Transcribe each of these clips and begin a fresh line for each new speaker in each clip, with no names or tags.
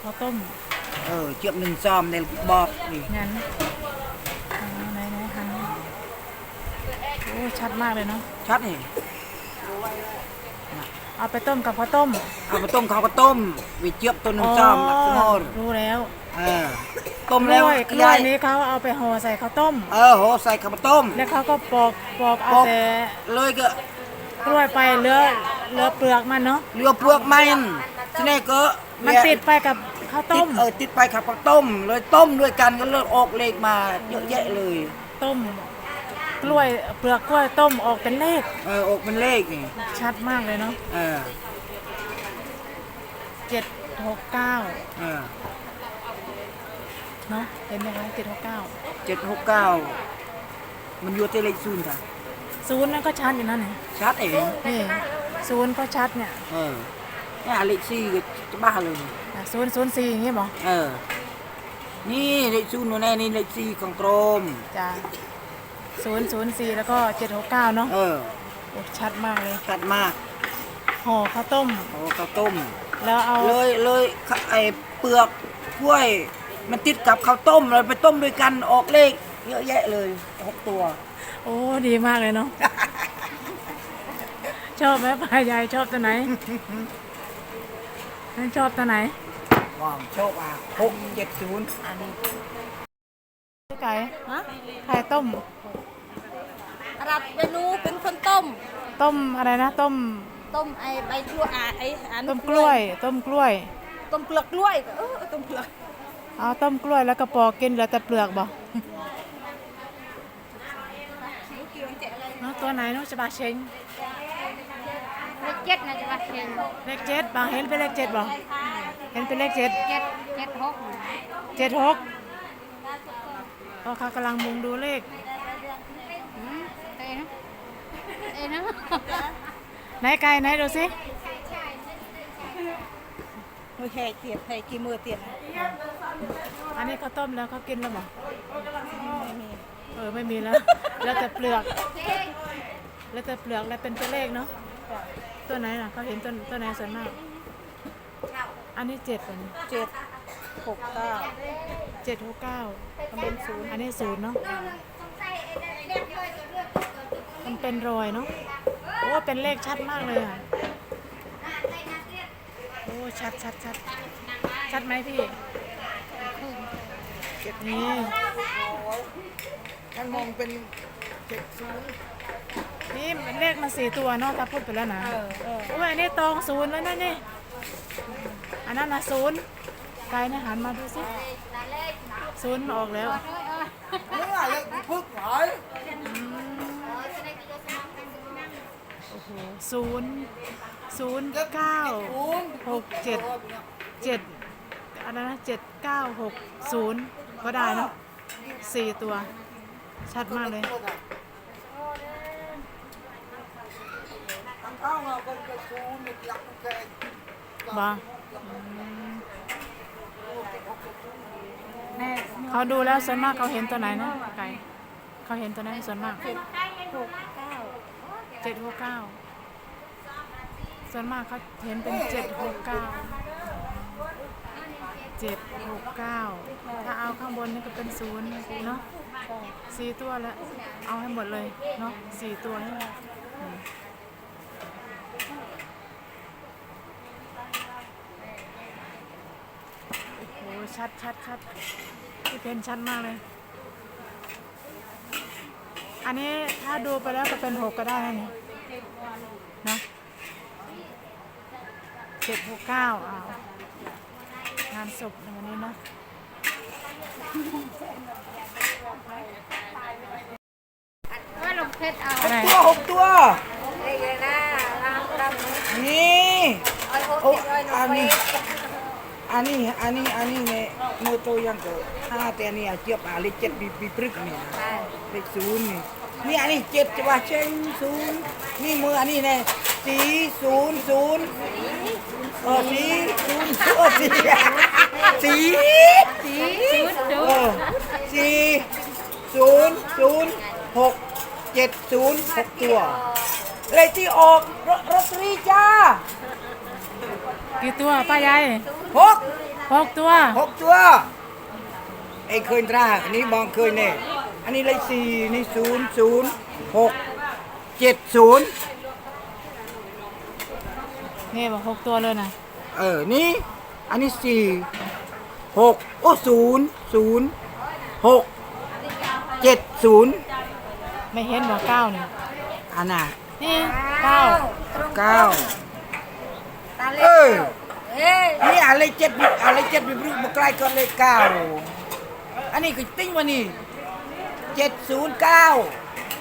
ข้าวต้ม
เจี๊ยบหนึ่งซอมในบอกนี่
งั้นไหนหันโอ้ชัดมากเลยเนาะ
ชัดนี่
เอาไปต้มกับข้าวต้ม
เอาไปต้มข้าวก็ต้มวิเจี๊ยบตัวหนึ่งซอมลักษณะ
รู้แล้ว
ต้มแล้ว
กล้วยนี้เขาเอาไปห่อใส่ข้าวต้ม
ห่อใส่ข้าวต้ม
แล้วเขาก็ปอกเอาแต่
เลยก็
กล้วยไปเหลือเปลือกมันเนาะ
เหลือเปลือกมันทีนี้ก็
มันติดไปกับข้าวต้ม
ติดไปกับข้าวต้มเลยต้มด้วยกันก็เลือดออกเลขมาเยอะแยะเลย
ต้มกล้วยเปลือกกล้วยต้มออกเป็นเลข
ออกเป็นเลขนี่
ชัดมากเลยเนาะ769เนาะเห็นไหมคะ
769มันอยู่ที่เลขศูนย์ค่ะ
ศูนย์นั่นก็ชัดอยู่นั่นไง
ชัดเอง
นี่ศูนย์ก็ชัดเนี่ย
เนี่ยเลข4ก็จะบ้าเลย
004อย่างงี้บ่
นี่เลขศูนย์แน่นี่เลข4ของกรม
จ้ะ004แล้วก็769เนาะชัดมากเลย
ชัดมาก
ห่อข้าวต้มแล้วเอา
เลยไอ้เปลือกกล้วยมันติดกับข้าวต้มเลยไปต้มด้วยกันออกเลขเยอะแยะเลย6ตัว
โอ้ดีมากเลยเนาะชอบไหมป้ายายชอบตัวไหนชอบตัวไหน
ชอบ670อันนี้
ไก่ไข่ต้ม
รับเมนูเป็นคนต้ม
อะไรนะต้ม
ไอ้ใบกล้วย
ต้มกล้วย
ต้มเปลือกกล้วยต้มเปลือก
เอาต้มกล้วยแล้วก็ปอกกินเหลือแต่เปลือกบ่ตัวไหนน้องจะบาเชง
เลข7นะจะบาเชง
เลข7บางเห็นเป็นเลข7บ่เห็นเป็นเลข7 76เขากำลังมุงดูเลขไหนไก่ไหนดูสิ
มือแห่เตียดให้กี่มือเตียด
อันนี้เขาต้มแล้วเขากินแล้วหรอไม่มีแล้วแล้วแต่เปลือกแล้วเป็นตัวเลขเนาะตัวไหนล่ะเขาเห็นตัวไหนส่วนมากอันนี้7ตัวนี้769
เป็น0
อันนี้0เนาะมันเป็นรอยเนาะโอ้เป็นเลขชัดมากเลยอ่ะโอ้ชัดไหมพี่นี่
ท่านมองเป็น
นี่มันเลขมา4ตัวเนาะถ้าพูดไปแล้วนะโอ้ยอันนี้ตอง0แล้วนั่นนี่อันนั้นนะ0ไกลนะหันมาดูสิ0ออกแล้ว
นี่อะไรพึกหาย
โอ้โห00967อะไรนะ7960ก็ได้เนาะ4ตัวชัดมากเลยบ้าเขาดูแล้วส่วนมากเขาเห็นตัวไหนนะไก่เขาเห็นตัวไหนส่วนมาก769ส่วนมากเขาเห็นเป็น769ถ้าเอาข้างบนนี่ก็เป็น0เนาะ4ตัวแล้วเอาให้หมดเลยเนาะ4ตัวนี่โอ้โหชัดที่เพนชัดมากเลยอันนี้ถ้าดูไปแล้วก็เป็น6ก็ได้นะเนาะ769งานศพในวันนี้นะ
ว่าลงเพชรเอา
6ตัวนี่อันนี้เนี่ยมือตัวยังเกิด5แต่นี่เจี๊ยบเลข7ปีพฤกษ์นี่เลข0นี่อันนี้7จะว่าเชง0นี่มืออันนี้เนี่ย4006ตัวเลขที่ออกรถตรีจ้า
กี่ตัวป้ายาย
6
6 ตัว
6 ตัวไอ้เคยตราอันนี้บองเคยเนี่ยอันนี้เลข4นี่00670
นี่บอก6 ตัวเลยนะ
นี่อันนี้6โอ้00670
ไม่เห็นบอก9นี่
อันน่ะ
นี่
9
ตาเล็
เออ
เอ้ย
นี่อะไร7อะไร7บิบรึกมาใกล้ก็เลข9อันนี้ก็ติ้งมานี่709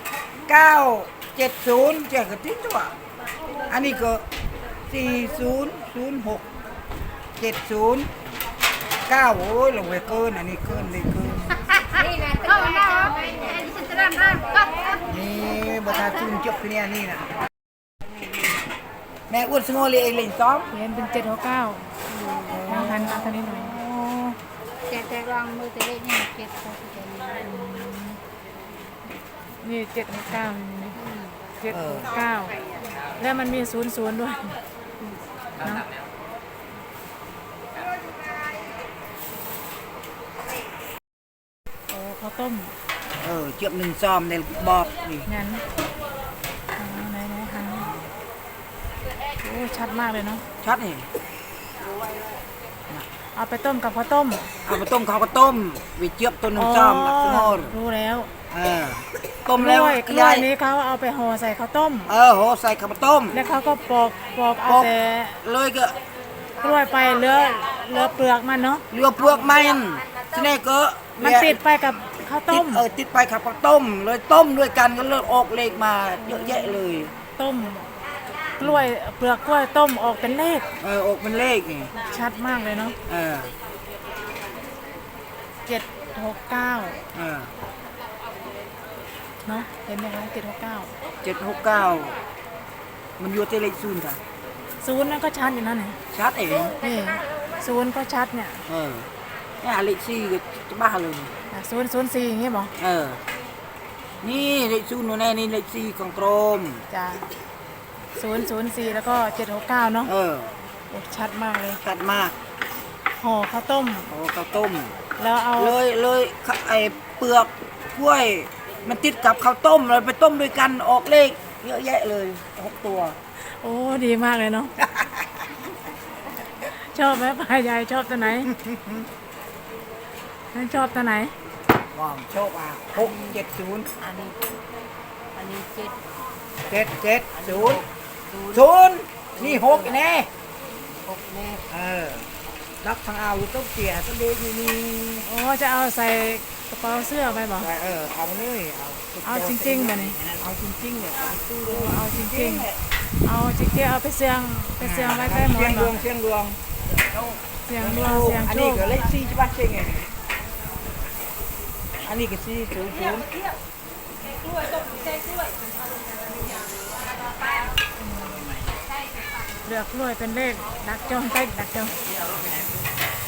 970เจ้าก็ติ้งตัวอันนี้ก็400670 9โอ้ยลงไปเกินอันนี้เกินเลยเกิน
นี่แหละเข้าหน้าอันนี้ฉันจะร่ำก็
นี่บทาจุนจบเนี่ยนี่นะแม่อ้วนสงอเลยเองเล่นซ้อม
เห็นเป็น7 6 9หันมาทางนี้หน่อย
แต่ลองมือแต่เล็กนี่เก็บเขาจะ
นี่7 6 9นี่7 6 9แล้วมันมี00ด้วยเนาะโอ้ข้าวต้ม
เจียบหนึ่งซ้อมในบอกนี่
งั้นไหนหันโอ้ชัดมากเลยเนาะ
ชัดนี่
เอาไปต้มกับข้าวต้ม
เอาไปต้มข้าวก็ต้มวิเจียบตัวหนึ่งซ้อมสงอ
รู้แล้ว
ต้มแล้ว
กล้วยนี้เขาเอาไปห่อใส่ข้าวต้ม
โหใส่ข้าวต้ม
แล้วเขาก็ปอกเอาแต่
เลยก็
กล้วยไปเหลือเปลือกมันเนาะ
เรือเปลือกมันทีนี้ก็
มันติดไปกับข้าว
ติ
ต้
ด
ม
ติดไปกับข้าวต้มเลยต้มด้วยกันก็เลยออกเลขมาเยอะแยะเลย
ต้มกล้วยเปลือกกล้วยต้มออกเป็นเลข
ออกเป็นเลขนี่
ชัดมากเลยเนาะ 769 เนาะเห็นไหมคะ769
769มันอยู่ที่เลขศูนย์ค่ะ
ศูนย์นั่นก็ชัดอยู่นั่นไง
ชัดเอง
นี่ศูนย์ก็ชัดเนี่ย
เนี่ยเลขสี่ก็จะบ้าเลย
004อย่างงี้บอก
นี่เลขศูนย์โน่นแน่นี่เลขสี่ของกรม
จ้ะ004แล้วก็769เนาะโอ้ชัดมากเลย
ชัดมาก
ห่อข้าวต้ม
โอ้ข้าวต้ม
แล้วเอา
เลยไอ้เปลือกกล้วย มันติดกับข้าวต้มเลยไปต้มด้วยกันออกเลขเยอะแยะเลย6 ตัว
โอ้ดีมากเลยเนาะ ชอบไหมป้ายายชอบตัวไหนนั่นชอบตัวไหน
ว้าวโชค670
อันนี้
770นี่6แน่
แม่
รักทางเอาอยู่ต้องเสียต้องเลี้ยงนี่
โอ้จะเอาใส่กระเป๋าเสื้อไปบอก
เอาเลย
เอาจริงๆแบบนี้
เอาจริงๆเนี่ยเอาตู้เลย
เอาจริงๆเอาจริงๆเอาไปเสียงไว้ใต้หมอ
เสีย
น
ง
บ
ด
อ
ว
ก
งเสียงดวง
เสียงดวงเสียง
อัน
โช
นี้
ค
ก็เลข4ใช่ป่ะเสียงไงอันนี้ก็400
เลือกกล้วยเป็นเลขดักจองใต้ดักจอง